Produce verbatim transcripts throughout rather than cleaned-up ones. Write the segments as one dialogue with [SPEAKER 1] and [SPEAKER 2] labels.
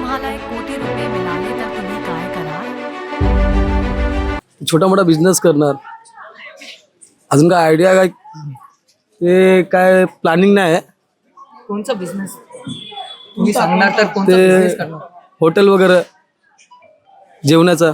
[SPEAKER 1] तुम्हाला एक कोटी रुपये मिळाले तर तुम्ही काय कराल?
[SPEAKER 2] छोटा मोठा बिझनेस करणार. अजून काय आयडिया काय ते काय प्लॅनिंग नाही आहे.
[SPEAKER 3] कोणचा बिझनेस तुम्ही सांगणार तर कोणता
[SPEAKER 2] ते
[SPEAKER 3] बिझनेस करणार?
[SPEAKER 2] हॉटेल वगैरे जेवणाचा.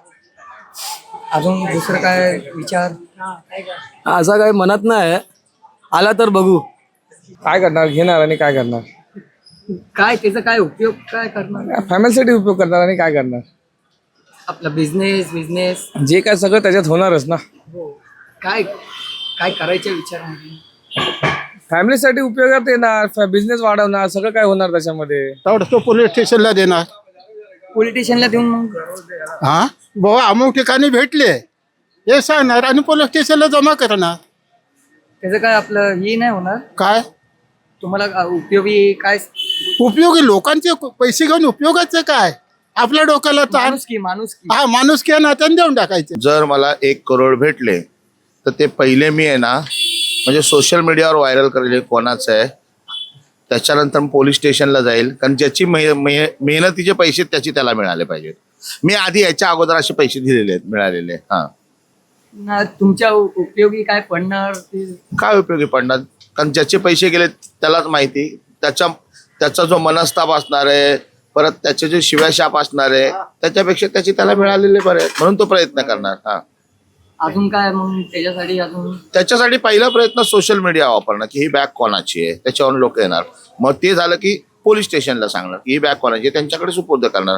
[SPEAKER 3] अजून दुसरं काय विचार?
[SPEAKER 2] असा काय मनात नाही आहे. आला तर बघू.
[SPEAKER 4] काय करणार, घेणार आणि काय करणार,
[SPEAKER 3] काय त्याचा काय उपयोग काय करणार?
[SPEAKER 4] फॅमिलीसाठी उपयोग करणार आणि काय करणार.
[SPEAKER 3] आपला बिझनेस बिझनेस
[SPEAKER 4] जे काय सगळं त्याच्यात होणारच ना.
[SPEAKER 3] काय काय करायच्या विचारामध्ये?
[SPEAKER 4] फॅमिलीसाठी उपयोगात येणार, बिझनेस वाढवणार, सगळं काय होणार त्याच्यामध्ये.
[SPEAKER 5] तेवढं तो पोलीस स्टेशनला देणार.
[SPEAKER 3] पॉलिटिशियनला देऊन मग
[SPEAKER 5] हा बाबा अमुक ठिकाणी भेटले हे सांगणार आणि पोलीस स्टेशनला जमा करणार.
[SPEAKER 3] त्याचं काय आपलं हे नाही होणार?
[SPEAKER 5] काय
[SPEAKER 3] तुम्हाला उपयोगी काय?
[SPEAKER 5] उपयोगी लोकांचे पैसे घेऊन उपयोगाचं काय? आपल्या डोक्याला ताण.
[SPEAKER 3] माणूस की माणूस की
[SPEAKER 5] हा माणूस किंवा नात्याने देऊन टाकायचे.
[SPEAKER 6] जर मला एक करोड भेटले तर ते पहिले मी आहे ना म्हणजे सोशल मीडियावर व्हायरल करेल कोणाचं आहे, त्याच्यानंतर पोलीस स्टेशनला जाईल, कारण ज्याची मेह मेह मेहनतीचे पैसे त्याची त्याला मिळाले पाहिजेत. मी आधी याच्या अगोदर असे पैसे दिलेले आहेत, मिळालेले. हां,
[SPEAKER 3] ना तुमच्या उपयोगी काय पडणार ते?
[SPEAKER 6] काय उपयोगी पडणार? कारण ज्याचे पैसे गेले त्यालाच माहिती. त्याच्या त्याचा जो मनस्ताप असणार आहे, परत त्याचे जे शिव्याशाप असणार आहे, त्याच्यापेक्षा त्याचे त्याला मिळालेले बरे आहेत, म्हणून तो प्रयत्न करणार. हां,
[SPEAKER 3] अजून काय मग त्याच्यासाठी? अजून
[SPEAKER 6] त्याच्यासाठी पहिला प्रयत्न सोशल मीडिया वापरणं, की ही बॅग कोणाची आहे, त्याच्यावरून लोक येणार. मग ते झालं की पोलीस स्टेशनला सांगणार की ही बॅग कोणाची आहे, त्यांच्याकडे सुपूर्द करणार.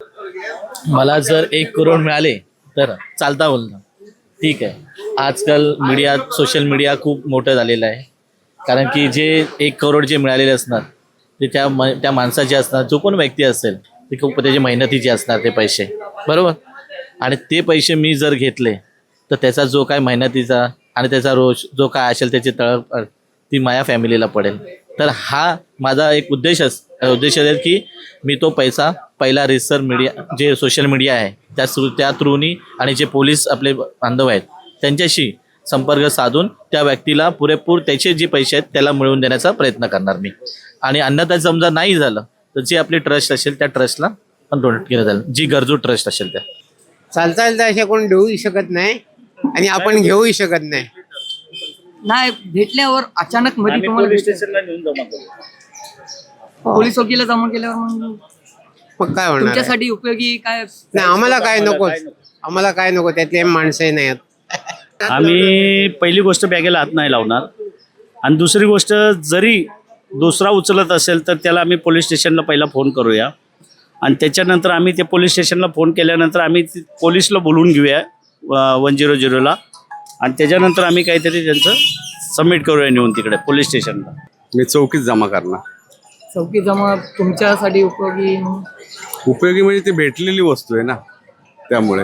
[SPEAKER 7] मला जर एक करोड मिळाले तर चालता बोलणं ठीक आहे. आजकाल मीडिया सोशल मीडिया खूप मोठं झालेलं आहे. कारण की जे एक करोड जे मिळालेले असणार ते त्या म त्या माणसाचे असणार, जो कोण व्यक्ती असेल ते खूप त्याचे मेहनतीचे असणार ते पैसे, बरोबर. आणि ते पैसे मी जर घेतले तर त्याचा जो काय मेहनतीचा आणि त्याचा रोज जो काय असेल त्याची तळप ती माझ्या फॅमिलीला पडेल. तर हा माझा एक उद्देश अस उद्देश असेल की मी तो पैसा पहिला रिसर मीडिया जे सोशल मीडिया आहे त्या थ्रू त्या थ्रूनी आणि जे पोलीस आपले बांधव आहेत त्यांच्याशी संपर्क साधून त्या व्यक्तीला पुरेपूर त्याचे जे पैसे आहेत त्याला मिळवून देण्याचा प्रयत्न करणार मी. आणि अन्यथा समजा नाही झालं तर जे आपली ट्रस्ट असेल त्या ट्रस्टला पण डोनेट केलं जाईल, जी गरजू ट्रस्ट असेल त्या.
[SPEAKER 8] चालता चालता असे कोण देऊही शकत नाही आणि आपण घेऊही शकत नाही.
[SPEAKER 3] नाही भेटल्यावर अचानक मध्ये तुम्हाला भेटलं. पोलीस वकील जमा केल्यावर मग
[SPEAKER 8] मग काय होणार आहे?
[SPEAKER 3] तुमच्यासाठी उपयोगी काय?
[SPEAKER 8] नाही आम्हाला काय नको, आम्हाला काय नको, त्यातले माणसंही नाही आहेत.
[SPEAKER 9] आम्ही पहिली गोष्ट बॅगेला हात नाही लावणार. आणि दुसरी गोष्ट, जरी दुसरा उचलत असेल तर त्याला आम्ही पोलीस स्टेशनला पहिला फोन करूया आणि त्याच्यानंतर आम्ही ते पोलीस स्टेशनला फोन केल्यानंतर आम्ही पोलीसला बोलवून घेऊया वन झिरो झिरोला आणि त्याच्यानंतर आम्ही काहीतरी त्यांचं सबमिट करूया नेऊन तिकडे पोलीस स्टेशनला.
[SPEAKER 4] मी चौकीत जमा करणार.
[SPEAKER 3] चौकी जमा तुमच्यासाठी उपयोगी?
[SPEAKER 4] उपयोगी म्हणजे ती भेटलेली वस्तू आहे ना, त्यामुळे.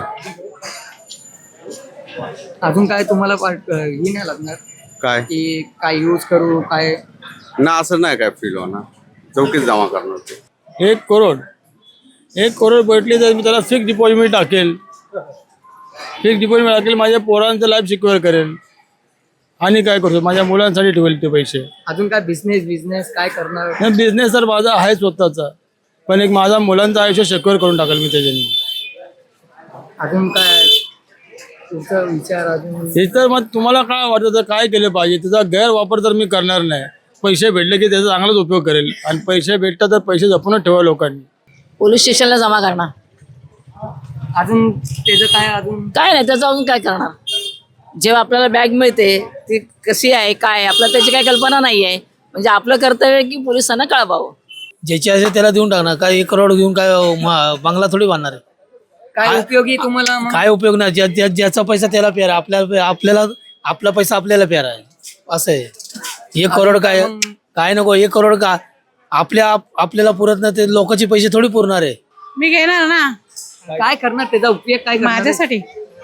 [SPEAKER 3] अजून काय तुम्हाला वाट- हे नाही लागणार
[SPEAKER 4] काय
[SPEAKER 3] की काय यूज करू काय?
[SPEAKER 4] ना, असं नाही काय फील होणार. चौकीत जमा करणार ते.
[SPEAKER 2] एक करोड एक करोड भेटली तर मी त्याला फिक्स डिपॉझिट टाकेल. फिक्स डिपॉझिट टाकेल, माझ्या पोरांचं लाईफ सिक्युअर करेल आणि काय करतो माझ्या मुलांसाठी ठेवेल ते पैसे.
[SPEAKER 3] अजून काय बिझनेस बिझनेस काय करणार?
[SPEAKER 2] नाही, बिझनेस तर माझा आहे स्वतःचा, पण एक माझा मुलांचं आयुष्य सिक्युअर करून टाकेल मी त्याच्याने.
[SPEAKER 3] अजून काय तुमचा विचार? अजून
[SPEAKER 2] हे तर मग तुम्हाला काय वाटतं तर काय केलं पाहिजे? त्याचा गैरवापर तर मी करणार नाही. पैसे भेटले की त्याचा चांगलाच उपयोग करेल आणि पैसे भेटतात तर पैसे जपूनच ठेवा लोकांनी.
[SPEAKER 1] पोलीस स्टेशनला जमा करणार.
[SPEAKER 3] अजून त्याचं काय? अजून
[SPEAKER 1] काय नाही त्याचं अजून काय करणार? जेव्हा आपल्याला बॅग मिळते ती कशी आहे काय आहे आपल्याला त्याची काही कल्पना नाही आहे. म्हणजे आपलं कर्तव्य आहे की पोलिसांना कळवावं.
[SPEAKER 2] ज्याची असेल त्याला देऊन टाकणार. काय एक करोड घेऊन काय बंगला थोडी बांधणार आहे?
[SPEAKER 3] काय उपयोगी तुम्हाला मग?
[SPEAKER 2] काय उपयोग नाही. ज्या ज्या- ज्याचा पैसा त्याला प्यारा, आपल्या आपल्याला आपला पैसा आपल्याला प्यारा आहे, असं आहे. एक करोड काय काय नको. एक करोड का आपल्या आपल्याला पुरत नाही, ते लोकांचे पैसे थोडी पुरणार आहे.
[SPEAKER 10] मी घेणार ना.
[SPEAKER 3] काय करणार? त्याचा उपयोग काय करणार?
[SPEAKER 10] माझ्यासाठी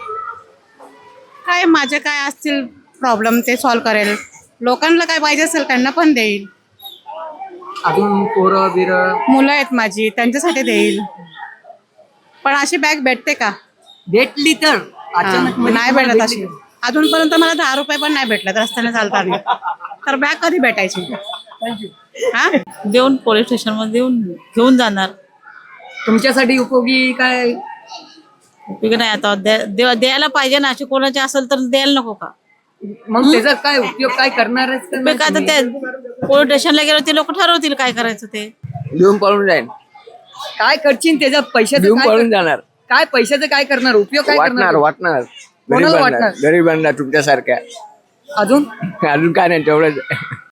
[SPEAKER 10] काय, माझे काय असतील प्रॉब्लेम ते सॉल्व्ह करेल. लोकांना काय पाहिजे असेल त्यांना पण देईल.
[SPEAKER 3] अजून पोरं बिर
[SPEAKER 10] मुलं आहेत माझी, त्यांच्यासाठी देईल. पण अशी बॅग भेटते का?
[SPEAKER 3] भेटली तर अचानक
[SPEAKER 10] हा, नाही भेटत अशी. अजूनपर्यंत मला दहा रुपये पण नाही भेटले रस्त्याने चालताना. तर बॅग कधी भेटायची? हा,
[SPEAKER 11] देऊन पोलीस स्टेशनमध्ये देऊन घेऊन जाणार.
[SPEAKER 3] तुमच्यासाठी उपयोगी काय
[SPEAKER 10] उपयोग नाही आता द्या- द्या- द्यायला पाहिजे ना, अशी कोणाची असेल तर द्यायला नको का?
[SPEAKER 3] मग त्याचा काय उपयोग काय करणार आहेस का
[SPEAKER 10] उपयोग काय
[SPEAKER 3] नाही
[SPEAKER 10] आता
[SPEAKER 3] तुम्ही?
[SPEAKER 10] ते पोलीस स्टेशनला गेलो ते लोक ठरवतील काय करायचं ते.
[SPEAKER 1] लिहून पळून जाईल,
[SPEAKER 3] काय करशील त्याचा पैशाचं
[SPEAKER 1] लिहून
[SPEAKER 3] काय
[SPEAKER 1] पळून
[SPEAKER 3] कर-
[SPEAKER 1] जाणार,
[SPEAKER 3] काय पैशाचं काय करणार उपयोग काय
[SPEAKER 1] वाटणार
[SPEAKER 3] करणार
[SPEAKER 1] वाटणार
[SPEAKER 3] कोणाला वाटणार
[SPEAKER 1] गरीबांना तुमच्यासारख्या.
[SPEAKER 3] अजून
[SPEAKER 1] अजून काय नाही तेवढंच.